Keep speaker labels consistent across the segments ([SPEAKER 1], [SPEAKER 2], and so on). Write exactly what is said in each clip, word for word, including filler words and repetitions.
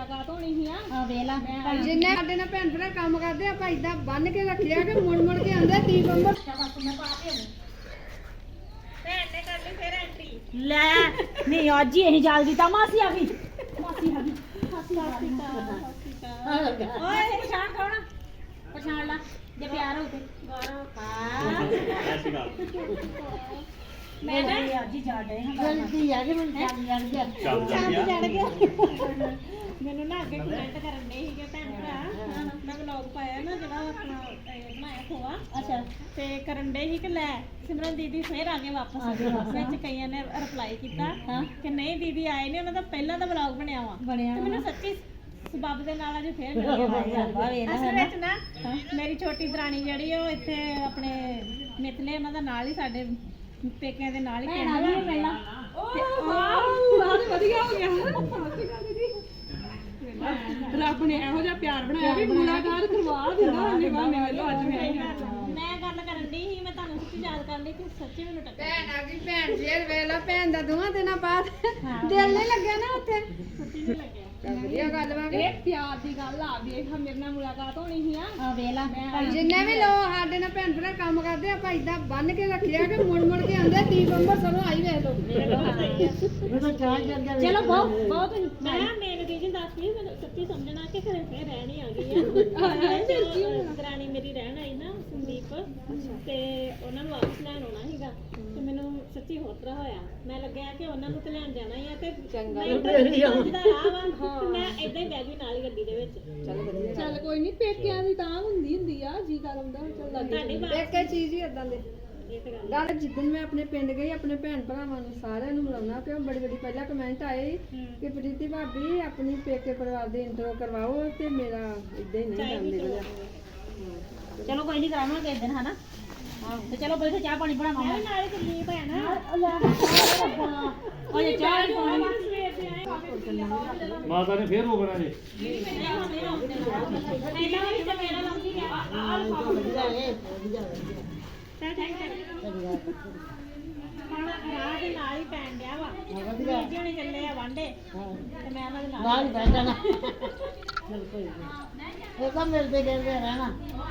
[SPEAKER 1] ਮੁਲਾਕਾਤ ਹੋਣੀ ਸੀ ਆ
[SPEAKER 2] ਆ ਵੇਲਾ
[SPEAKER 3] ਜਿੰਨੇ ਸਾਡੇ ਨਾਲ ਭੈਣ ਭਰਾ ਕੰਮ ਕਰਦੇ ਆਪਾਂ ਇਦਾਂ ਬੰਨ ਕੇ ਰੱਖਿਆ ਕਿ ਮੁੜ ਮੁੜ ਕੇ ਆਂਦੇ ਤੀ ਬੰਬਰ
[SPEAKER 1] ਮੈਂ ਪਾ ਕੇ ਆਉਂ ਭੈਣ ਨੇ ਕਰ ਲਈ ਫੇਰ ਐਂਟਰੀ
[SPEAKER 2] ਲੈ ਨਹੀਂ ਅੱਜ ਹੀ ਅਸੀਂ ਜਾਲ ਦਿੱਤਾ ਮਾਸੀ ਆ ਗਈ ਮਾਸੀ ਆ ਗਈ ਮਾਸੀ ਆ ਗਈ ਓਏ ਪਛਾਣ ਕੌਣ ਪਛਾਣ ਲਾ ਜੇ ਪਿਆਰ ਹੋ ਤੇ
[SPEAKER 1] ਗੌਰਵ
[SPEAKER 2] ਹਾਂ ਮੈਂ ਨਾ ਅੱਜ ਹੀ ਜਾ ਰਹੇ ਹਾਂ
[SPEAKER 3] ਗਲਤੀ ਆ ਕਿ ਮੈਨੂੰ ਚੱਲ ਲੜ ਗਿਆ
[SPEAKER 1] ਚੰਦ ਚੜ ਗਿਆ ਮੈਨੂੰ ਨਾ ਅੱਗੇ ਕਮੈਂਟ ਕਰਨ ਦੇ ਸੀਗੇ ਭੈਣ ਭਰਾ ਮੈਂ ਵਲੌਗ ਪਾਇਆ ਨਾ ਜਿਹੜਾ ਆਪਣਾ ਇਹ ਬਣਾਇਆ ਖੋਆ
[SPEAKER 2] ਅੱਛਾ
[SPEAKER 1] ਤੇ ਕਰਨ ਦੇ ਸੀ ਕਿ ਲੈ ਸਿਮਰਨ ਦੀਦੀ ਫੇਰ ਆ ਗਏ ਵਾਪਸ ਵਿੱਚ ਕਈਆਂ ਨੇ ਰਿਪਲਾਈ ਕੀਤਾ ਕਿ ਨਹੀਂ ਦੀਦੀ ਆਏ ਨੇ ਉਹਨਾਂ ਦਾ ਪਹਿਲਾਂ ਦਾ ਵਲੌਗ ਬਣਿਆ ਵਾ
[SPEAKER 2] ਬਣਿਆ
[SPEAKER 1] ਤੇ ਮੈਨੂੰ ਸੱਚੀ ਸਬਬ ਦੇ ਨਾਲ ਅਜੇ ਫੇਰ ਮਿਲ ਗਿਆ ਅਸਲ ਵਿੱਚ ਨਾ ਮੇਰੀ ਛੋਟੀ ਦਰਾਣੀ ਜਿਹੜੀ ਉਹ ਇੱਥੇ ਆਪਣੇ ਮਿਤਲੇ ਉਹਨਾਂ ਦਾ ਨਾਲ ਹੀ ਸਾਡੇ ਪੇਕਿਆਂ ਦੇ ਨਾਲ ਹੀ
[SPEAKER 2] ਭੈਣ ਆ ਗਈ ਪਹਿਲਾਂ
[SPEAKER 1] ਓ ਵਾਹ ਵਧੀਆ ਹੋ ਗਿਆ ਰੱਬ ਨੇ ਇਹੋ ਜਿਹਾ ਪਿਆਰ ਬਣਾਇਆ ਵੀ ਮੁਲਾਕਾਤ ਕਰਵਾ ਦਿੰਦਾ ਉਹਨੇ ਬਾਨੇ ਵੱਲੋਂ ਅੱਜ ਮੈਂ ਮੈਂ ਗੱਲ ਕਰਨ ਦੀ ਸੀ ਮੈਂ ਤੁਹਾਨੂੰ ਸੱਚੀ ਯਾਦ ਕਰ ਲਈ ਕਿ ਸੱਚੀ ਮੈਨੂੰ ਟੱਕਰ
[SPEAKER 3] ਭੈਣ ਆ ਗਈ ਭੈਣ ਫੇਰ ਵੇਲਾ ਭੈਣ ਦਾ ਦੋਹਾਂ ਦਿਨਾਂ ਬਾਅਦ ਦਿਲ ਨਹੀਂ ਲੱਗਿਆ ਨਾ ਉੱਥੇ
[SPEAKER 1] ਸੱਚੀ ਨਹੀਂ ਲੱਗਿਆ
[SPEAKER 3] ਵਧੀਆ ਗੱਲ ਵਾ
[SPEAKER 1] ਇਹ ਪਿਆਰ ਦੀ ਗੱਲ ਆ ਵੇਖ ਮੇਰੇ ਨਾਲ ਮੁਲਾਕਾਤ ਹੋਣੀ ਸੀ ਆ
[SPEAKER 2] ਆ ਵੇਲਾ
[SPEAKER 3] ਜਿੰਨੇ ਵੀ ਲੋਕ ਸਾਡੇ ਨਾਲ ਭੈਣ ਭਰਾ ਕੰਮ ਕਰਦੇ ਆਪਾਂ ਇਦਾਂ ਬੰਨ ਕੇ ਰੱਖਿਆ ਕਿ ਮੁੜ ਮੁੜ ਕੇ ਆਂਦੇ ਤੀ ਬੰਬਰ ਸਰੋਂ ਆਈ ਵੇਖ ਲੋ
[SPEAKER 2] ਚਲੋ ਬਹੁਤ ਬਹੁਤ
[SPEAKER 1] ਮੈਂ ਮੇਰੇ ਦੀਦੀ ਦੱਸਦੀ ਮੈਨੂੰ ਸੱਚੀ ਸਮਝਣਾ ਕਿ ਘਰੇ ਫੇਰ ਰਹਿਣ ਹੀ ਆ ਗਈ ਆ ਦਰਾਣੀ ਮੇਰੀ ਰਹਿਣ ਆਈ ਨਾ ਸੰਦੀਪ ਤੇ ਉਹਨਾਂ ਨੂੰ ਵਾਪਸ ਲੈਣ ਆਉਣਾ ਸੀਗਾ ਤੇ ਮੈਨੂੰ ਸੱਚੀ ਹੋਰ ਤਰ੍ਹਾਂ ਹੋਇਆ ਮੈਂ ਲੱਗਿਆ ਕਿ ਉਹਨਾਂ ਨੂੰ ਤੇ ਲੈਣ ਜਾਣਾ ਹੀ ਆ ਤੇ ਚੰਗਾ ਮੈਂ ਏਦਾਂ ਹੀ ਬਹਿ ਗਈ ਨਾਲ ਹੀ ਗੱਡੀ ਦੇ ਵਿੱਚ
[SPEAKER 3] ਚੱਲ ਵਧੀਆ
[SPEAKER 1] ਚੱਲ ਕੋਈ ਨਹੀਂ ਪੇਕਿਆਂ ਦੀ ਤਾਂ ਹੁੰਦੀ ਹੁੰਦੀ ਆ ਜੀ ਕਰ ਆਉਂਦਾ ਚੱਲ ਤੁਹਾਡੀ
[SPEAKER 3] ਇੱਕ ਇੱਕ ਚੀਜ਼ ਹੀ ਇਦਾਂ ਦੇ ਗੱਲ ਜਿੱਦਣ ਮੈਂ ਆਪਣੇ ਪਿੰਡ ਗਈ ਆਪਣੇ ਭੈਣ ਭਰਾਵਾਂ ਨੂੰ ਸਾਰਿਆਂ ਨੂੰ ਮਿਲਾਉਣਾ ਪਿਆ ਬੜੀ ਬੜੀ ਪਹਿਲਾਂ ਕਮੈਂਟ ਆਏ ਕਿ ਪ੍ਰੀਤੀ ਭਾਬੀ ਆਪਣੀ ਪੇਕੇ ਪਰਿਵਾਰ ਦੀ ਇੰਟਰੋ ਕਰਵਾਓ ਤੇ ਮੇਰਾ ਇਦਾਂ ਹੀ ਨਹੀਂ ਜਾਂਦੇ ਰਿਹਾ
[SPEAKER 2] ਚਲੋ ਕੋਈ ਨਹੀਂ ਕਰਾਵਾਂਗੇ ਇੱਕ ਦਿਨ ਹਨਾ ਤੇ ਚਲੋ ਬੈਠੋ ਚਾਹ ਪਾਣੀ ਬਣਾਵਾਂਗੇ
[SPEAKER 1] ਮੈਂ ਨਾਲ ਹੀ ਚੱਲੀ ਭੈਣ
[SPEAKER 2] ਓਏ ਚਾਹ ਪਾਣੀ
[SPEAKER 4] ਮਾਤਾ ਨੇ ਫੇਰ ਰੋਕਣਾ ਜੀ
[SPEAKER 1] ਹੁਣ ਰਾਹ ਦੇ ਨਾਲ ਹੀ ਪੈਣ ਡਿਆ ਵਾ ਵੀਰ ਜੀ ਹੁਣੀ ਚੱਲੇ ਆ ਵਾਂਡੇ ਤੇ ਮੈਂ ਉਹਨਾਂ ਦੇ ਨਾਲ
[SPEAKER 3] ਨਾਲ ਬਹਿ ਜਾਣਾ ਬਿਲਕੁਲ ਇਹ ਤਾਂ ਮਿਲਦੇ ਗਿਲਦੇ ਰਹਿਣਾ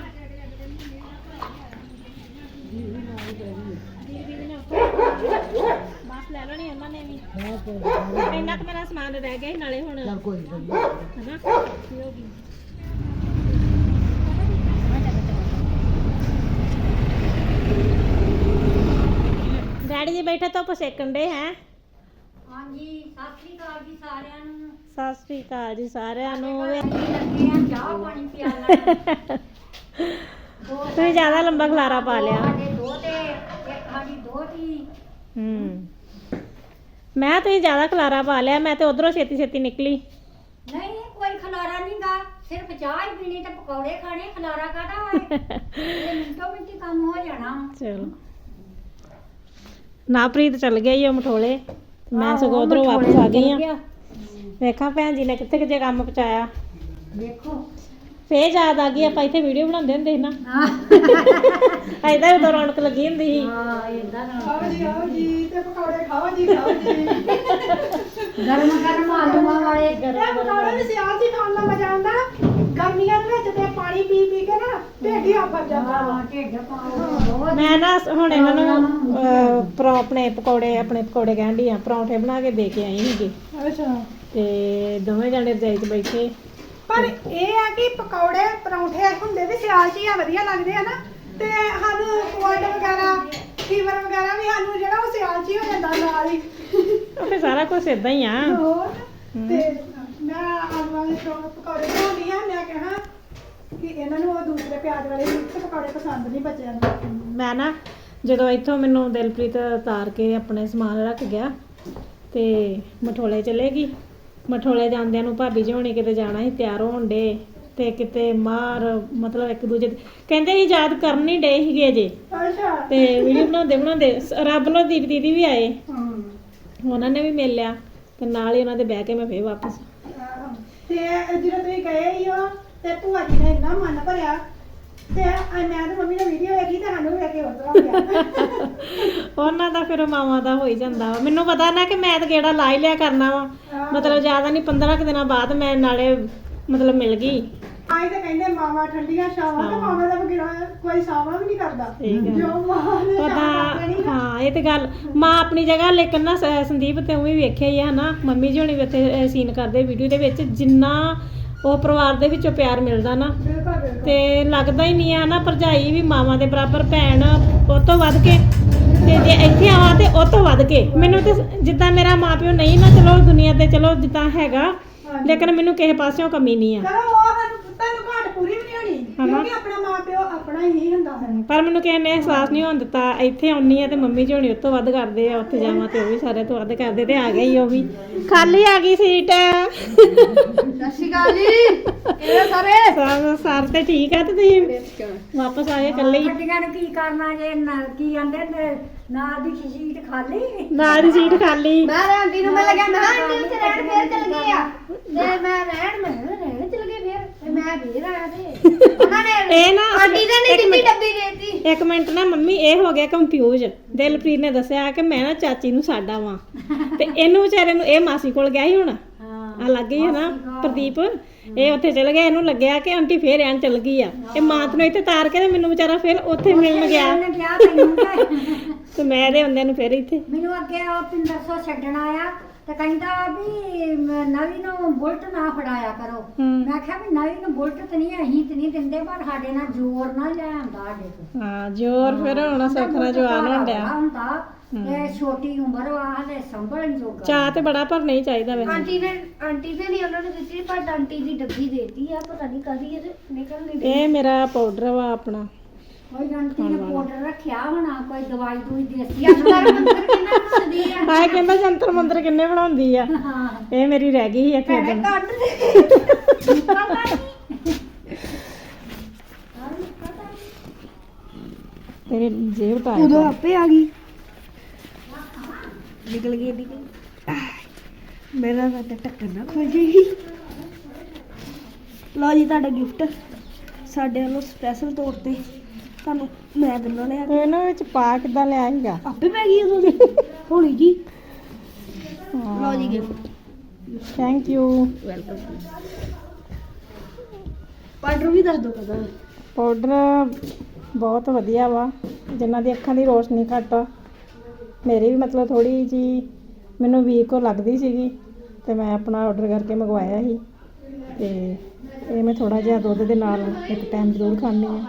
[SPEAKER 1] ਬਸ ਲੈ ਲੈਣੀ ਉਹਨਾਂ ਨੇ ਵੀ ਇੰਨਾ ਕੁ ਮੇਰਾ ਸਮਾਨ ਰਹਿ ਗਿਆ ਸੀ ਨਾਲੇ ਹੁਣ
[SPEAKER 3] ਕੋਈ
[SPEAKER 1] ਹਨਾ ਕੀ ਹੋ ਗਈ ਡੈਡੀ ਜੀ ਬੈਠੇ ਧੁੱਪ ਸੇਕਣ ਦੇ ਹੈ
[SPEAKER 2] ਹਾਂਜੀ ਸਤਿ ਸ੍ਰੀ ਅਕਾਲ ਜੀ ਸਾਰਿਆਂ ਨੂੰ
[SPEAKER 1] ਸਤਿ ਸ੍ਰੀ ਅਕਾਲ ਜੀ ਸਾਰਿਆਂ ਨੂੰ
[SPEAKER 2] ਲੱਗੇ ਆ ਚਾਹ ਪਾਣੀ ਪਿਆਲਣਾ
[SPEAKER 1] ਤੁਸੀਂ ਜ਼ਿਆਦਾ ਲੰਬਾ ਖਲਾਰਾ ਪਾ ਲਿਆ
[SPEAKER 2] ਸਾਡੇ ਦੋ ਤੇ ਇੱਕ ਸਾਡੀ ਦੋਹਤੀ
[SPEAKER 1] ਹੂੰ ਮੈਂ ਤੁਸੀਂ ਜ਼ਿਆਦਾ ਖਲਾਰਾ ਪਾ ਲਿਆ ਮੈਂ ਤੇ ਉਧਰੋਂ ਛੇਤੀ ਛੇਤੀ ਨਿਕਲੀ
[SPEAKER 2] ਨਹੀਂ ਕੋਈ ਖਲਾਰਾ ਨਹੀਂਗਾ ਸਿਰਫ ਚਾਹ ਹੀ ਪੀਣੀ ਤੇ ਪਕੌੜੇ ਖਾਣੇ ਖਲਾਰਾ ਕਾਹਦਾ ਹੋਏ ਇਹ ਮਿੰਟੋ ਮਿੰਟੀ ਕੰਮ ਹੋ ਜਾਣਾ
[SPEAKER 1] ਚਲੋ ਨਾ ਪ੍ਰੀਤ ਚੱਲ ਗਿਆ ਈ ਉਹ ਮਠੋਲੇ ਮੈਂ ਸਗੋਂ ਉਧਰੋਂ ਵਾਪਸ ਆ ਗਈ ਆ ਵੇਖਾਂ ਭੈਣ ਜੀ ਨੇ ਕਿੱਥੇ ਕਿੱਥੇ ਕੰਮ ਪਹੁੰਚਾਇਆ
[SPEAKER 2] ਦੇਖੋ
[SPEAKER 1] ਫੇਰ ਯਾਦ ਆ ਗਈ ਆਪਾਂ ਇੱਥੇ ਵੀਡੀਓ ਬਣਾਉਂਦੇ ਹੁੰਦੇ ਸੀ ਨਾ ਐਦਾਂ ਉਦੋਂ ਰੌਣਕ ਲੱਗੀ ਹੁੰਦੀ ਸੀ
[SPEAKER 2] ਹਾਂ ਇਦਾਂ ਨਾ
[SPEAKER 3] ਖਾਓ ਜੀ ਆਓ ਜੀ ਤੇ ਪਕੌੜੇ ਖਾਓ ਜੀ ਖਾਓ ਜੀ
[SPEAKER 2] ਗਰਮ ਗਰਮ ਆਲੂਆਂ ਵਾਲੇ
[SPEAKER 3] ਇਹ ਪਕੌੜੇ ਵੀ ਸਿਆਲ ਦੀ ਖਾਣ ਦਾ ਮਜ਼ਾ ਆਉਂਦਾ ਗਰਮੀਆਂ ਦੇ ਵਿੱਚ ਤੇ ਪਾਣੀ ਪੀ ਪੀ ਕੇ ਨਾ ਢਿੱਡ ਹੀ ਆਫਰ ਜਾਂਦਾ
[SPEAKER 2] ਹਾਂ ਢਿੱਡ ਪਾਓ
[SPEAKER 1] ਮੈਂ ਨਾ ਹੁਣ ਇਹਨਾਂ ਨੂੰ ਅਹ, ਪਰੌ ਆਪਣੇ ਪਕੌੜੇ ਆਪਣੇ ਪਕੌੜੇ ਕਹਿਣ ਡਈ ਆ ਪਰੌਂਠੇ ਬਣਾ ਕੇ ਦੇ ਕੇ ਆਈ ਸੀਗੀ
[SPEAKER 3] ਅੱਛਾ
[SPEAKER 1] ਤੇ ਦੋਵੇਂ ਜਣੇ ਰਜਾਈ 'ਚ ਬੈਠੇ
[SPEAKER 3] ਪਰ ਇਹ ਆ ਕਿ ਪਕੌੜੇ ਪਰੌਂਠੇ ਹੁੰਦੇ ਵੀ ਸਿਆਲ 'ਚ ਹੀ ਆ ਵਧੀਆ ਲੱਗਦੇ ਆ ਨਾ ਤੇ ਸਾਨੂੰ ਕੋਲਡ ਵਗੈਰਾ ਫੀਵਰ ਵਗੈਰਾ ਵੀ ਸਾਨੂੰ ਜਿਹੜਾ ਉਹ ਸਿਆਲ 'ਚ ਹੀ ਹੋ ਜਾਂਦਾ ਨਾਲ ਹੀ
[SPEAKER 1] ਉਹ ਫਿਰ ਸਾਰਾ ਕੁਝ ਇਦਾਂ ਹੀ ਆ
[SPEAKER 3] ਹੋਰ ਤੇ ਮੈਂ ਆਲੂਆਂ ਦੇ ਪਕੌੜੇ ਬਣਾਉਂਦੀ ਆ ਮੈਂ ਕਹਾਂ ਕਿ ਇਹਨਾਂ ਨੂੰ ਉਹ ਦੂਸਰੇ ਪਿਆਜ਼ ਵਾਲੇ ਮਿਕਸ ਪਕੌੜੇ ਪਸੰਦ ਨਹੀਂ ਬੱਚਿਆਂ ਨੂੰ
[SPEAKER 1] ਮੈਂ ਨਾ ਜਦੋਂ ਇੱਥੋਂ ਮੈਨੂੰ ਦਿਲਪ੍ਰੀਤ ਉਤਾਰ ਕੇ ਆਪਣੇ ਸਮਾਨ ਰੱਖ ਗਿਆ ਤੇ ਮਠੋਲੇ ਚਲੇ ਗਈ ਮਠੋਲੇ ਜਾਂਦਿਆਂ ਨੂੰ ਭਾਬੀ ਜੀ ਹੋਣੀ ਕਿਤੇ ਜਾਣਾ ਸੀ ਤਿਆਰ ਹੋਣ ਡੇ ਤੇ ਕਿਤੇ ਮਾਰ ਮਤਲਬ ਇੱਕ ਦੂਜੇ ਕਹਿੰਦੇ ਸੀ ਯਾਦ ਕਰਨ ਨਹੀਂ ਡੇ ਸੀਗੇ ਜੇ
[SPEAKER 3] ਅੱਛਾ
[SPEAKER 1] ਤੇ ਵੀਡੀਓ ਬਣਾਉਂਦੇ ਬਣਾਉਂਦੇ ਰੱਬ ਨੂੰ ਦੀਦੀ ਦੀਦੀ ਵੀ ਆਏ
[SPEAKER 3] ਹਮ
[SPEAKER 1] ਉਹਨਾਂ ਨੇ ਵੀ ਮਿਲ ਲਿਆ ਤੇ ਨਾਲ ਹੀ ਉਹਨਾਂ ਦੇ ਬਹਿ ਕੇ ਮੈਂ ਫੇਰ ਵਾਪਸ
[SPEAKER 3] ਆਹੋ। ਤੇ ਜਦੋਂ ਤੁਸੀਂ ਗਏ ਹੀ ਹੋ ਤੇ ਭੂਆ ਜੀ ਨੇ ਇੰਨਾ ਮਨ ਭਰਿਆ
[SPEAKER 2] ਤੇ ਆ ਮੈਂ ਤੇ ਮੰਮੀ ਨੇ ਵੀਡੀਓ ਵੇਖੀ ਤੇ ਸਾਨੂੰ ਵੇਖ ਕੇ ਉਤਰਾ ਗਿਆ
[SPEAKER 1] ਉਹਨਾਂ ਦਾ ਫਿਰ ਮਾਵਾਂ ਦਾ ਹੋ ਹੀ ਜਾਂਦਾ ਵਾ ਮੈਨੂੰ ਪਤਾ ਨਾ ਕਿ ਮੈਂ ਤਾਂ ਕਿਹੜਾ ਲਾ ਹੀ ਲਿਆ ਕਰਨਾ ਵਾ ਮਤਲਬ ਜ਼ਿਆਦਾ ਨਹੀਂ ਪੰਦਰਾਂ ਕੁ ਦਿਨਾਂ ਬਾਅਦ ਮੈਂ ਨਾਲੇ ਮਤਲਬ ਮਿਲ ਗਈ
[SPEAKER 2] ਆਈ ਤਾਂ ਕਹਿੰਦੇ ਮਾਵਾ ਠੰਡੀਆਂ ਛਾਵਾਂ ਤੇ ਮਾਵਾ ਦਾ ਬਗੈਰ ਕੋਈ ਸਾਵਾ ਵੀ ਨਹੀਂ ਕਰਦਾ
[SPEAKER 1] ਠੀਕ ਹੈ।
[SPEAKER 2] ਜੋ ਮਾਵਾ ਨੇ
[SPEAKER 1] ਪਤਾ ਹਾਂ ਇਹ ਤੇ ਗੱਲ ਮਾਂ ਆਪਣੀ ਜਗ੍ਹਾ ਲੇਕਿਨ ਨਾ ਸ- ਸੰਦੀਪ ਤੇ ਉਹ ਵੀ ਵੇਖਿਆ ਹੀ ਆ ਹਨਾ ਮੰਮੀ ਜੀ ਹੁਣੀ ਵੀ ਉੱਥੇ ਸੀਨ ਕਰਦੇ ਵੀਡੀਓ ਦੇ ਵਿੱਚ ਜਿੰਨਾ ਉਹ ਪਰਿਵਾਰ ਦੇ ਵਿੱਚੋਂ ਪਿਆਰ ਮਿਲਦਾ ਨਾ
[SPEAKER 2] ਬਿਲਕੁਲ ਬਿਲਕੁਲ
[SPEAKER 1] ਤੇ ਲੱਗਦਾ ਹੀ ਨਹੀਂ ਆ ਨਾ ਭਰਜਾਈ ਵੀ ਮਾਵਾਂ ਦੇ ਬਰਾਬਰ ਭੈਣ ਉਹ ਤੋਂ ਵੱਧ ਕੇ ਤੇ ਜੇ ਇੱਥੇ ਆਵਾਂ ਤੇ ਉਹ ਤੋਂ ਵੱਧ ਕੇ ਮੈਨੂੰ ਤੇ ਜਿੱਦਾਂ ਮੇਰਾ ਮਾਪਿਓ ਨਹੀਂ ਨਾ ਚਲੋ ਦੁਨੀਆ ਤੇ ਚਲੋ ਜਿੱਦਾਂ ਹੈਗਾ ਲੇਕਿਨ ਮੈਨੂੰ ਕਿਸੇ ਪਾਸਿਓਂ ਕਮੀ ਨਹੀਂ ਆ
[SPEAKER 2] ਚਲੋ ਉਹ ਸਾਨੂੰ ਤੁਹਾਨੂੰ ਘਾਟ ਪੂਰੀ ਵੀ ਨਹੀਂ ਹੋਣੀ ਕਿਉਂਕਿ ਆਪਣਾ ਮਾਂ ਪਿਓ ਆਪਣਾ ਹੀ ਹੁੰਦਾ ਹੈ
[SPEAKER 1] ਪਰ ਮੈਨੂੰ ਕਿਸੇ ਨੇ ਅਹਿਸਾਸ ਨਹੀਂ ਹੋਣ ਦਿੱਤਾ ਇੱਥੇ ਆਉਣੀ ਆ ਤੇ ਮੰਮੀ ਜੀ ਹੁਣੀ ਉਸ ਤੋਂ ਵੱਧ ਕਰਦੇ ਆ ਉੱਥੇ ਜਾਵਾਂ ਤੇ ਉਹ ਵੀ ਸਾਰੇ ਤੋਂ ਵੱਧ ਕਰਦੇ ਤੇ ਆ ਗਈ ਉਹ ਵੀ ਖਾਲੀ ਆ ਗਈ ਸੀਟ
[SPEAKER 3] ਸਤਿ ਸ਼੍ਰੀ ਅਕਾਲ ਜੀ ਕਿਹੜੇ ਸਾਰੇ
[SPEAKER 1] ਸਭ ਸਰ ਤੇ ਠੀਕ ਆ ਤੇ ਤੁਸੀਂ ਵਾਪਸ ਆਏ ਇਕੱਲੇ ਹੀ
[SPEAKER 2] ਗੱਡੀਆਂ ਨੂੰ ਕੀ ਕਰਨਾ ਜੇ ਨਾ- ਕੀ ਆਂਦੇ ਨੇ ਨਾਲ ਦੀ ਸ਼ੀਟ ਖਾਲੀ
[SPEAKER 1] ਨਾਲ ਦੀ ਸੀਟ ਖਾਲੀ
[SPEAKER 3] ਮੈਂ ਆਂਟੀ ਨੂੰ ਮੈਂ ਲੱਗਿਆ ਮੈਂ ਕਿਹਾ ਆਂਟੀ ਉੱਥੇ ਰਹਿਣ ਫੇਰ ਚਲ ਗਏ ਆ ਤੇ ਮੈਂ ਰਹਿਣ ਮੈਂ ਕਿਹਾ ਰਹਿਣ ਚਲ ਗਏ ਫੇਰ ਤੇ ਮੈਂ ਫੇਰ ਆਇਆ ਤੇ ਉਹਨਾਂ ਨੇ
[SPEAKER 1] ਇਹ ਨਾ
[SPEAKER 3] ਆਂਟੀ ਨੇ ਨਹੀਂ
[SPEAKER 1] ਇੱਕ
[SPEAKER 3] ਦਿੱਤੀ
[SPEAKER 1] ਮਿੰਟ-
[SPEAKER 3] ਡੱਬੀ ਦੇਤੀ
[SPEAKER 1] ਇੱਕ ਮਿੰਟ ਨਾ ਮੰਮੀ ਇਹ ਹੋ ਗਿਆ ਕੰਫਿਊਜ਼ ਦਿਲਪ੍ਰੀਤ ਨੇ ਦੱਸਿਆ ਕਿ ਮੈਂ ਨਾ ਚਾਚੀ ਨੂੰ ਸਾਡਾ ਵਾਂ ਤੇ ਇਹਨੂੰ ਵਿਚਾਰੇ ਨੂੰ ਇਹ ਮਾਸੀ ਕੋਲ ਗਿਆ ਸੀ ਹੁਣ ਆ ਲੱਗ ਗਈ ਹੈ ਨਾ ਪ੍ਰਦੀਪ ਇਹ ਉੱਥੇ ਚਲ ਗਿਆ ਇਹਨੂੰ ਲੱਗਿਆ ਕਿ ਆਂਟੀ ਫੇਰ ਐਨ ਚਲ ਗਈ ਆ ਇਹ ਮਾਂ ਨੂੰ ਇੱਥੇ ਤਾਰ ਕੇ ਤੇ ਮੈਨੂੰ ਵਿਚਾਰਾ ਫਿਰ ਉੱਥੇ ਮਿਲਣ ਗਿਆ
[SPEAKER 2] ਉਹਨੇ ਕਿਹਾ ਤੈਨੂੰ ਕਿ
[SPEAKER 1] ਤੇ ਮੈਂ ਇਹਦੇ ਹੁੰਦਿਆਂ ਨੂੰ ਫਿਰ ਇੱਥੇ
[SPEAKER 2] ਮੈਨੂੰ ਅੱਗੇ ਉਹ ਪਿੰਦਰ ਸੋ ਛੱਡਣ ਆਇਆ ਤੇ ਕਹਿੰਦਾ ਵੀ ਮ- ਨਵੀਂ ਨੂੰ ਬੁਲਟ ਨਾ ਫੜਾਇਆ ਕਰੋ
[SPEAKER 1] ਹੂੰ।
[SPEAKER 2] ਮੈਂ ਕਿਹਾ ਵੀ ਨਵੀਂ ਨੂੰ ਬੁਲਟ ਤੇ ਨਹੀਂ ਅਸੀਂ ਤੇ ਨਹੀਂ ਦਿੰਦੇ ਪਰ ਸਾਡੇ ਨਾਲ ਜ਼ੋਰ ਨਾ ਲੈ ਆਂਦਾ ਸਾਡੇ ਤੋਂ
[SPEAKER 1] ਹਾਂ ਜੋਰ ਫਿਰ ਹੁਣ ਸੁਖਰਾ ਜਵਾਨ ਹੋਣ ਡਿਆ
[SPEAKER 2] ਹੁੰਦਾ ਤੇ ਛੋਟੀ ਉਮਰ ਵਾ ਹਲੇ ਸੰਭਲਣ ਜੋਗਾ
[SPEAKER 1] ਚਾਹ ਤੇ ਬੜਾ ਪਰ ਨਹੀਂ ਚਾਹੀਦਾ ਵੈਸੇ
[SPEAKER 3] ਆਂਟੀ ਨੇ ਆਂਟੀ ਨੇ ਨਹੀਂ ਉਹਨਾਂ ਨੂੰ ਦਿੱਤੀ ਪਰ ਆਂਟੀ ਦੀ ਡੱਬੀ ਦੇਤੀ ਆ ਪਤਾ ਨਹੀਂ ਕਦੀ ਇਹ ਨਿਕਲ ਨਹੀਂ
[SPEAKER 1] ਇਹ ਮੇਰਾ ਪਾਊਡਰ ਵਾ ਆਪਣਾ
[SPEAKER 2] ਕੋਈ ਆਂਟੀ ਨੇ ਪਾਊਡਰ ਰੱਖਿਆ ਹੋਣਾ ਕੋਈ ਦਵਾਈ ਦੂਈ ਦੇਸੀ ਅੰਦਰ
[SPEAKER 3] ਮੰਦਰ ਕਿੰਨਾ ਬਣਦੀ ਆ
[SPEAKER 1] ਹਾਏ ਕਹਿੰਦਾ ਜੰਤਰ ਮੰਤਰ ਕਿੰਨੇ ਬਣਾਉਂਦੀ ਆ
[SPEAKER 2] ਹਾਂ
[SPEAKER 1] ਇਹ ਮੇਰੀ ਰਹਿ ਗਈ ਸੀ ਇੱਥੇ
[SPEAKER 2] ਭੈਣੇ
[SPEAKER 1] ਉਦਣ
[SPEAKER 2] ਕੱਢ ਦੇ ਪਤਾ ਨਹੀਂ
[SPEAKER 1] ਤੇਰੀ ਜੇਬ ਟਾਈਟ
[SPEAKER 3] ਉਦੋਂ
[SPEAKER 1] ਆ।
[SPEAKER 3] ਆਪੇ ਆ ਗਈ ਨਿਕਲ ਗਈ ਨਿਕਲ ਮੇਰਾ ਤਾਂ ਟੱਕਰ ਨਾ ਖੁੱਲ ਜਾਏਗੀ ਲਓ ਜੀ ਤੁਹਾਡਾ ਗਿਫਟ ਸਾਡੇ ਵੱਲੋਂ ਸਪੈਸ਼ਲ ਤੌਰ ਤੇ ਤੁਹਾਨੂੰ ਮੈਂ ਦਿੰਦਾ ਲਿਆ
[SPEAKER 1] ਤੇ ਇਹਨਾਂ ਵਿੱਚ ਪਾ ਕਿੱਦਾਂ ਲਿਆ ਸੀਗਾ
[SPEAKER 3] ਆਪੇ ਪੈ ਗਈ ਉਦੋਂ ਦੀ ਹੋਣੀ ਜੀ ਲਓ ਜੀ gift
[SPEAKER 1] thank you
[SPEAKER 3] welcome powder ਵੀ ਦੱਸ ਦਿਓ ਕਦਾ
[SPEAKER 1] ਪਾਊਡਰ ਬਹੁਤ ਵਧੀਆ ਵਾ ਜਿਨ੍ਹਾਂ ਦੀ ਅੱਖਾਂ ਦੀ ਰੋਸ਼ਨੀ ਘੱਟ ਆ ਮੇਰੀ ਵੀ ਮਤਲਬ ਥੋੜੀ ਜੀ ਮੈਨੂੰ ਵੀਕ ਲੱਗਦੀ ਸੀਗੀ ਤੇ ਮੈਂ ਆਪਣਾ ਆਰਡਰ ਕਰਕੇ ਮੰਗਵਾਇਆ ਸੀ ਤੇ ਇਹ ਮੈਂ ਥੋੜਾ ਜਿਹਾ ਦੁੱਧ ਦੇ ਨਾਲ ਇੱਕ ਟਾਈਮ ਜ਼ਰੂਰ ਖਾਂਦੀ ਆ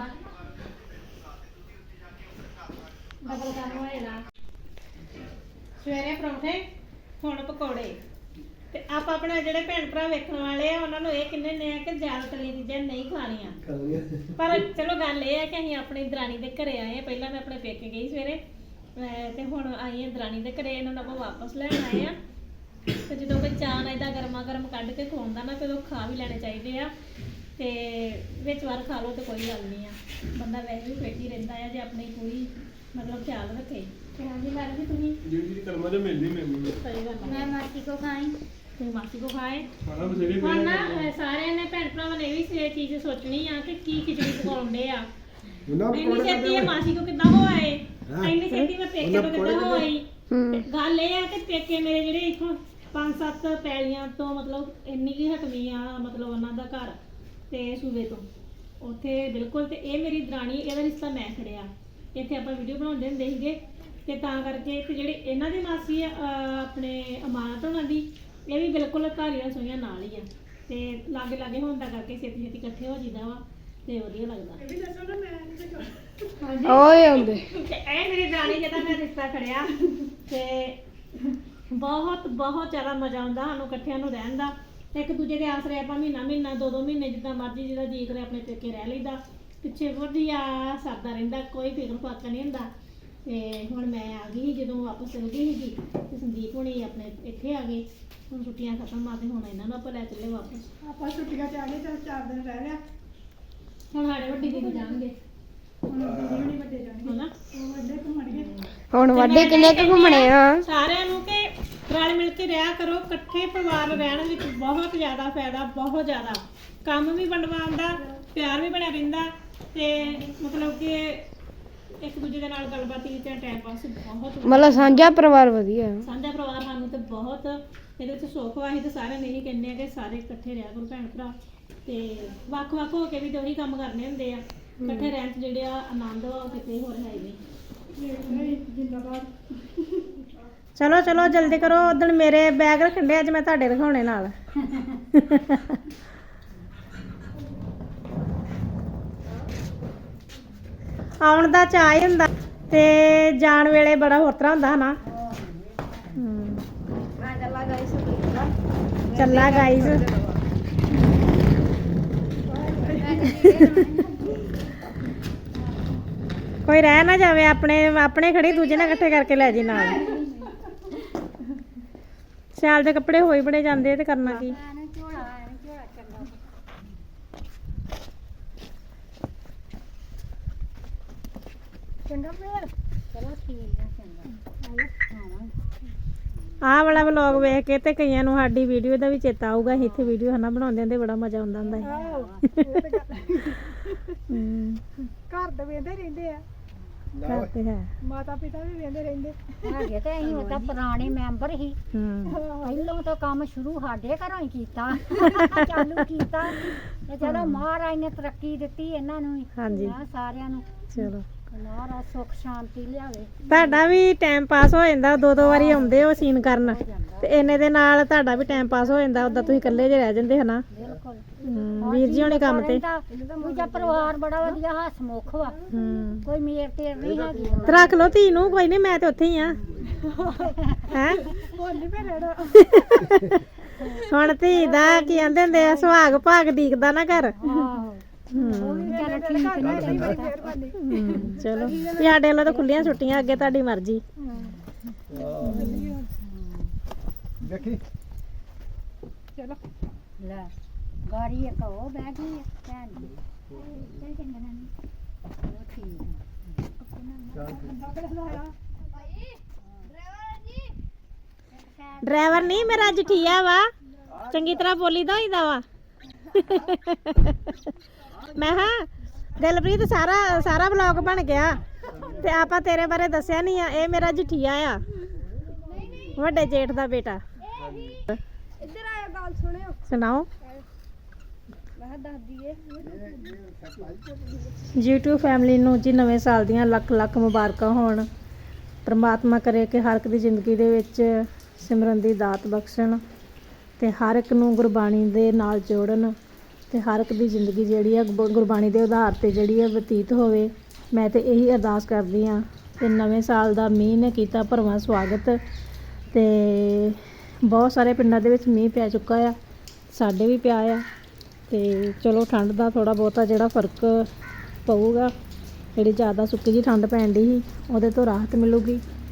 [SPEAKER 1] ਸਵੇਰੇ ਪਰੌਂਠੇ ਹੁਣ ਪਕੌੜੇ ਤੇ ਆਪ ਆਪਣੇ ਜਿਹੜੇ ਭੈਣ ਭਰਾ ਵੇਖਣ ਵਾਲੇ ਆ ਉਹਨਾਂ ਨੂੰ ਇਹ ਕਿੰਨੇ ਨੇ ਆ ਕਿ ਜ਼ਿਆਦਾ ਤਲੀ ਚੀਜ਼ਾਂ ਨਹੀਂ ਖਾਣੀਆਂ ਪਰ ਚਲੋ ਗੱਲ ਇਹ ਆ ਕਿ ਅਸੀਂ ਆਪਣੀ ਦਰਾਣੀ ਦੇ ਘਰੇ ਆਏ ਆ ਪਹਿਲਾਂ ਮੈਂ ਆਪਣੇ ਪੇਕੇ ਗਈ ਸਵੇਰੇ ਅਹ ਤੇ ਹੁਣ ਆਈ ਆ ਦਰਾਣੀ ਦੇ ਘਰੇ ਇਹਨਾਂ ਨੂੰ ਆਪਾਂ ਵਾਪਸ ਲੈਣ ਆਏ ਆ ਤੇ ਜਦੋਂ ਕੋਈ ਚਾਹ ਨਾ ਏਦਾਂ ਗਰਮਾ ਗਰਮ ਕੱਢ ਕੇ ਖਵਾਉਂਦਾ ਨਾ ਫਿਰ ਉਹ ਖਾ ਵੀ ਲੈਣੇ ਚਾਹੀਦੇ ਆ ਤੇ ਵਿੱਚ ਵਾਰ ਖਾ ਲਓ ਤੇ ਕੋਈ ਗੱਲ ਨਹੀਂ ਆ ਬੰਦਾ ਵੈਸੇ ਵੀ ਫਿੱਟ ਹੀ ਰਹਿੰਦਾ ਆ ਜੇ ਆਪਣੀ ਪੂਰੀ ਮਤਲਬ ਖਿਆਲ ਰੱਖੇ ਤੇ ਹਾਂਜੀ ਮੈਡਮ ਜੀ ਤੁਸੀਂ
[SPEAKER 4] ਜਿਹੜੀ ਕਰਮਾਂ ਚ ਮਿਲਦੀ ਮੈਨੂੰ
[SPEAKER 1] ਸਹੀ ਗੱਲ
[SPEAKER 3] ਮੈਂ ਮਾਸੀ ਕੋ ਖਾਈ
[SPEAKER 1] ਤੇ ਮਾਸੀ ਕੋ ਖਾਏ
[SPEAKER 4] ਖਾਣਾ ਬਸੇਰੇ
[SPEAKER 1] ਹੁਣ ਨਾ ਅਹ ਸਾਰਿਆਂ ਨੇ ਭੈਣ ਭਰਾਵਾਂ ਨੇ ਵੀ ਇਹ ਚੀਜ਼ ਸੋਚਣੀ ਆ ਕਿ ਕੀ ਖਿਚੜੀ ਪਕਾਉਂਦੇ ਆ ਇੰਨੀ ਛੇਤੀ ਇਹ ਮਾਸੀ ਕੋ ਕਿੱਦਾਂ ਹੋ ਆਏ ਇੰਨੀ ਛੇਤੀ ਮੈਂ ਪੇਕੇ ਤੋਂ ਕਿੱਦਾਂ ਹੋ ਆਈ ਤੇ ਗੱਲ ਇਹ ਆ ਕਿ ਪੇਕੇ ਮੇਰੇ ਜਿਹੜੇ ਇੱਥੋਂ ਪੰਜ ਸੱਤ ਪੈਲੀਆਂ ਤੋਂ ਮਤਲਬ ਇੰਨੀ ਕੀ ਹਟਵੀਂ ਆ ਮਤਲਬ ਉਹਨਾਂ ਦਾ ਘਰ ਤੇ ਸੂਬੇ ਤੋਂ ਉੱਥੇ ਬਿਲਕੁਲ ਤੇ ਇਹ ਮੇਰੀ ਦਰਾਣੀ ਇਹਦਾ ਰਿਸ਼ਤਾ ਮੈਂ ਖੜਿਆ ਇੱਥੇ ਆਪਾਂ ਵੀਡੀਓ ਬਣਾਉਂਦੇ ਹੁੰਦੇ ਸੀਗੇ ਤੇ ਤਾਂ ਕਰਕੇ ਤੇ ਜਿਹੜੇ ਇਹਨਾਂ ਦੀ ਮਾਸੀ ਆ ਅਹ ਆਪਣੇ ਅਮਾਨਤ ਹੋਣਾ ਦੀ ਇਹ ਵੀ ਬਿਲਕੁਲ ਘਾਰੀਆਂ ਸੋਈਆਂ ਨਾਲ ਹੀ ਆ ਤੇ ਲਾਗੇ ਲਾਗੇ ਹੋਣ ਦਾ ਕਰਕੇ ਛੇਤੀ ਛੇਤੀ ਇਕੱਠੇ ਹੋ ਜਿੱਦਾਂ ਵਾ ਤੇ ਵਧੀਆ ਲੱਗਦਾ
[SPEAKER 3] ਓਏ ਆਉਂਦੇ
[SPEAKER 1] ਤੇ ਇਹ ਮੇਰੀ ਦਰਾਣੀ ਜਿਹਦਾ ਮੈਂ ਰਿਸ਼ਤਾ ਖੜਿਆ ਤੇ ਬਹੁਤ ਬਹੁਤ ਜ਼ਿਆਦਾ ਮਜ਼ਾ ਆਉਂਦਾ ਸਾਨੂੰ ਇਕੱਠਿਆਂ ਨੂੰ ਰਹਿਣ ਦਾ ਇੱਕ ਦੂਜੇ ਦੇ ਆਸਰੇ ਆਪਾਂ ਮਹੀਨਾ ਮਹੀਨਾ ਦੋ ਦੋ ਮਹੀਨੇ ਜਿੱਦਾਂ ਮਰਜ਼ੀ ਜਿਹਦਾ ਜੀ ਕਰੇ ਆਪਣੇ ਪੇਕੇ ਰਹਿ ਲਈਦਾ ਪਿੱਛੇ ਵਧੀਆ ਸਰਦਾ ਰਹਿੰਦਾ ਕੋਈ ਫਿਕਰ ਫਾਕਾ ਨਹੀਂ ਹੁੰਦਾ ਤੇ ਹੁਣ ਮੈਂ ਆ ਗਈ ਜਦੋਂ ਵਾਪਸ ਚਲ ਗਈ ਸੀਗੀ ਤੇ ਸੰਦੀਪ ਹੁਣੀ ਆਪਣੇ ਇੱਥੇ ਆ ਗਏ ਹੁਣ ਛੁੱਟੀਆਂ ਖਤਮ ਆ ਤੇ ਹੁਣ ਇਹਨਾਂ ਨੂੰ ਆਪਾਂ ਲੈ ਚੱਲੇ ਵਾਪਸ
[SPEAKER 2] ਆਪਾਂ ਛੁੱਟੀਆਂ ਚ ਆ ਗਏ ਚਲ ਚਾਰ ਦਿਨ ਰਹਿ ਲਿਆ
[SPEAKER 1] ਹੁਣ ਸਾਡੇ ਵੱਡੀ ਦੀਦੀ ਜਾਣਗੇ
[SPEAKER 2] ਹੁਣ ਦੀਦੀ ਹੁਣੀ ਵੱਡੇ ਜਾਣਗੇ
[SPEAKER 1] ਹਨਾ
[SPEAKER 2] ਉਹ ਵੱਡੇ ਘੁੰਮਣਗੇ
[SPEAKER 3] ਹੁਣ ਵੱਡੇ ਕਿੰਨੇ ਕੁ ਘੁੰਮਣੇ ਆ
[SPEAKER 1] ਸਾਰਿਆਂ ਨੂੰ ਕਿ ਰਲ ਮਿਲ ਕੇ ਰਿਹਾ ਕਰੋ ਇਕੱਠੇ ਪਰਿਵਾਰ ਰਹਿਣ ਵਿੱਚ ਬਹੁਤ ਜ਼ਿਆਦਾ ਫਾਇਦਾ ਬਹੁਤ ਜ਼ਿਆਦਾ ਕੰਮ ਵੀ ਵੰਡਵਾਉਣ ਦਾ ਪਿਆਰ ਵੀ ਬਣਿਆ ਰਹਿੰਦਾ ਤੇ ਮਤਲਬ ਕਿ ਇੱਕ ਦੂਜੇ ਦੇ ਨਾਲ ਗੱਲਬਾਤ ਕੀਤੀ, ਟਾਈਮ ਪਾਸ ਬਹੁਤ
[SPEAKER 3] ਮਤਲਬ ਸਾਂਝਾ ਪਰਿਵਾਰ ਵਧੀਆ ਹੈ।
[SPEAKER 1] ਸਾਂਝਾ ਪਰਿਵਾਰ ਸਾਨੂੰ ਤੇ ਬਹੁਤ ਇਹਦੇ ਵਿੱਚ ਸੁੱਖ ਵਾ। ਅਸੀਂ ਤੇ ਸਾਰਿਆਂ ਨੇ ਇਹੀ ਕਹਿੰਦੇ ਆ ਕਿ ਸਾਰੇ ਇਕੱਠੇ ਰਿਹਾ ਕਰੋ ਭੈਣ ਭਰਾ, ਤੇ ਵੱਖ ਵੱਖ ਹੋ ਕੇ ਵੀ ਤੇ ਉਹੀ ਕੰਮ ਕਰਨੇ ਹੁੰਦੇ ਆ। ਇਕੱਠੇ ਰਹਿਣ 'ਚ ਜਿਹੜੇ ਆ ਆਨੰਦ ਵਾ ਉਹ ਕਿਤੇ ਹੋਰ ਹੈ ਹੀ ਨਹੀਂ।
[SPEAKER 2] ਚਲੋ ਚਲੋ ਜਲਦੀ ਕਰੋ, ਉਦੋਂ ਮੇਰੇ ਬੈਗ ਰੱਖਣ ਦੇ, ਅੱਜ ਮੈਂ ਤੁਹਾਡੇ ਰਖਾਉਣੇ ਨਾਲ। ਆਉਣ ਦਾ ਚਾਅ ਹੀ ਹੁੰਦਾ ਤੇ ਜਾਣ ਵੇਲੇ ਬੜਾ ਹੋਰ ਤਰ੍ਹਾਂ ਹੁੰਦਾ ਹਨਾ। ਹਮ। ਚੱਲਾ ਗਾਈਜ਼। ਕੋਈ ਰਹਿ ਨਾ ਜਾਵੇ, ਆਪਣੇ ਆਪਣੇ ਖੜੀ ਦੂਜੇ ਨਾਲ ਇਕੱਠੇ ਕਰਕੇ ਲੈ ਜੀ ਨਾਲ। ਸਿਆਲ ਦੇ ਕੱਪੜੇ ਹੋਈ ਬੜੇ ਜਾਂਦੇ ਤੇ ਕਰਨਾ ਕੀ। ਆਹ ਵਾਲਾ ਵਲੌਗ ਵੇਖ ਕੇ ਤੇ ਕਈਆਂ ਨੂੰ ਸਾਡੀ ਵੀਡੀਓ ਦਾ ਵੀ ਚੇਤਾ ਆਊਗਾ। ਅਸੀਂ ਇੱਥੇ ਵੀਡੀਓ ਹਨਾ ਬਣਾਉਂਦੇ ਹੁੰਦੇ, ਬੜਾ ਮਜ਼ਾ ਆਉਂਦਾ ਹੁੰਦਾ ਸੀ। ਹਮ।
[SPEAKER 3] ਘਰ ਦੇ ਵੇਂਦੇ ਰਹਿੰਦੇ ਆ,
[SPEAKER 2] ਘਰ ਤੇ ਹੈ।
[SPEAKER 3] ਮਾਤਾ ਪਿਤਾ ਵੀ ਵੇਂਦੇ ਰਹਿੰਦੇ।
[SPEAKER 5] ਹੈਗੇ ਤੇ ਅਸੀਂ ਉਹ ਤਾਂ ਪੁਰਾਣੇ ਮੈਂਬਰ ਹੀ
[SPEAKER 2] ਹਮ।
[SPEAKER 5] ਪਹਿਲੋਂ ਤਾਂ ਕੰਮ ਸ਼ੁਰੂ ਸਾਡੇ ਘਰੋਂ ਹੀ ਕੀਤਾ, ਚਾਲੂ ਕੀਤਾ ਤੇ ਚਲੋ ਮਹਾਰਾਜ ਨੇ ਤਰੱਕੀ ਦਿੱਤੀ ਇਹਨਾਂ ਨੂੰ ਵੀ,
[SPEAKER 2] ਹਾਂਜੀ।
[SPEAKER 5] ਨਾ ਸਾਰਿਆਂ ਨੂੰ।
[SPEAKER 2] ਚਲੋ
[SPEAKER 5] ਮਹਾਰਾਜ ਸੁੱਖ ਸ਼ਾਂਤੀ ਲਿਆਵੇ।
[SPEAKER 2] ਤੁਹਾਡਾ ਵੀ ਟਾਈਮ ਪਾਸ ਹੋ ਜਾਂਦਾ, ਦੋ ਦੋ ਵਾਰੀ ਆਉਂਦੇ ਹੋ ਸੀਨ ਕਰਨ ਤੇ ਇਹਨੇ ਦੇ ਨਾਲ ਤੁਹਾਡਾ ਵੀ ਟਾਈਮ ਪਾਸ ਹੋ ਜਾਂਦਾ। ਉਦਾਂ ਤੁਸੀਂ ਇਕੱਲੇ ਜੇ ਰਹਿ ਜਾਂਦੇ ਹਨਾ।
[SPEAKER 5] ਬਿਲਕੁਲ
[SPEAKER 2] ਹਮ, ਵੀਰ ਜੀ ਹੋਣੀ ਕੰਮ ਤੇ।
[SPEAKER 5] ਦੂਜਾ ਪਰਿਵਾਰ ਬੜਾ ਵਧੀਆ ਹਸਮੁਖ ਵਾ,
[SPEAKER 2] ਹਮ।
[SPEAKER 5] ਕੋਈ ਮੇਰ ਤੇਰ ਨਹੀਂ ਹੈਗੀ।
[SPEAKER 2] ਤੇ ਰੱਖ ਲਓ ਧੀ ਨੂੰ, ਕੋਈ ਨਹੀਂ, ਮੈਂ ਤੇ ਉੱਥੇ ਹੀ ਆ। ਹੈ ਹੁਣ ਧੀ ਦਾ ਕੀ ਕਹਿੰਦੇ ਹੁੰਦੇ ਆ, ਸੁਹਾਗ ਭਾਗ ਦੀਕਦਾ ਨਾ ਘਰ।
[SPEAKER 5] ਆਹੋ ਉਹ ਵੀ ਚੱਲ ਠੀਕ ਨਹੀਂ
[SPEAKER 2] ਹਮ, ਚਲੋ ਵੀ ਸਾਡੇ ਵੱਲੋਂ ਤਾਂ ਖੁੱਲੀਆਂ ਛੁੱਟੀਆਂ, ਅੱਗੇ ਤੁਹਾਡੀ ਮਰਜ਼ੀ।
[SPEAKER 6] ਦੇਖੀ
[SPEAKER 5] ਲੈ ਗਾੜੀ ਇੱਕ ਉਹ ਬਹਿ ਗਈ ਆ ਭੈਣ ਜੀ। ਚੱਲ ਚੰਗਾ ਨਾਨੀ, ਉਹ ਠੀਕ
[SPEAKER 2] ਡਰਾਈਵਰ ਨਹੀਂ ਮੇਰਾ ਜਠੀਆ ਵਾ, ਚੰਗੀ ਤਰ੍ਹਾਂ ਬੋਲੀ ਦਾ ਹੋਈਦਾ ਵਾ। ਮੈਂ ਹਾਂ ਦਿਲਪ੍ਰੀਤ, ਸਾਰਾ ਸਾਰਾ ਵਲੌਗ ਬਣ ਗਿਆ ਤੇ ਆਪਾਂ ਤੇਰੇ ਬਾਰੇ ਦੱਸਿਆ ਨਹੀਂ ਆ। ਇਹ ਮੇਰਾ ਜਠੀਆ ਆ, ਵੱਡੇ ਜੇਠ ਦਾ ਬੇਟਾ।
[SPEAKER 3] ਇੱਧਰ ਆਇਆ, ਗੱਲ ਸੁਣਿਓ।
[SPEAKER 2] ਸੁਣਾਓ।
[SPEAKER 3] ਮੈਂ ਦੱਸ ਦਈਏ,
[SPEAKER 2] YouTube ਫੈਮਿਲੀ ਨੂੰ ਜੀ ਨਵੇਂ ਸਾਲ ਦੀਆਂ ਲੱਖ ਲੱਖ ਮੁਬਾਰਕਾਂ ਹੋਣ। ਪ੍ਰਮਾਤਮਾ ਕਰੇ ਕਿ ਹਰ ਇੱਕ ਦੀ ਜ਼ਿੰਦਗੀ ਦੇ ਵਿੱਚ ਸਿਮਰਨ ਦੀ ਦਾਤ ਬਖਸ਼ਣ ਤੇ ਹਰ ਇੱਕ ਨੂੰ ਗੁਰਬਾਣੀ ਦੇ ਨਾਲ ਜੋੜਨ ਤੇ ਹਰ ਇੱਕ ਦੀ ਜ਼ਿੰਦਗੀ ਜਿਹੜੀ ਆ ਗੁ- ਗੁਰਬਾਣੀ ਦੇ ਆਧਾਰ ਤੇ ਜਿਹੜੀ ਆ ਬਤੀਤ ਹੋਵੇ। ਮੈਂ ਤੇ ਇਹੀ ਅਰਦਾਸ ਕਰਦੀ ਹਾਂ। ਤੇ ਨਵੇਂ ਸਾਲ ਦਾ ਮੀਂਹ ਨੇ ਕੀਤਾ ਭਰਵਾਂ ਸਵਾਗਤ ਤੇ ਬਹੁਤ ਸਾਰੇ ਪਿੰਡਾਂ ਦੇ ਵਿੱਚ ਮੀਂਹ ਪੈ ਚੁੱਕਾ ਆ, ਸਾਡੇ ਵੀ ਪਿਆ ਆ। ਤੇ ਚਲੋ ਠੰਡ ਦਾ ਥੋੜਾ ਬਹੁਤਾ ਜਿਹੜਾ ਫਰਕ ਪਊਗਾ, ਜਿਹੜੀ ਜ਼ਿਆਦਾ ਸੁੱਕੀ ਜੀ ਠੰਡ ਪੈਣ ਦੀ ਸੀ ਉਹਦੇ ਤੋਂ ਰਾਹਤ ਮਿਲੂਗੀ।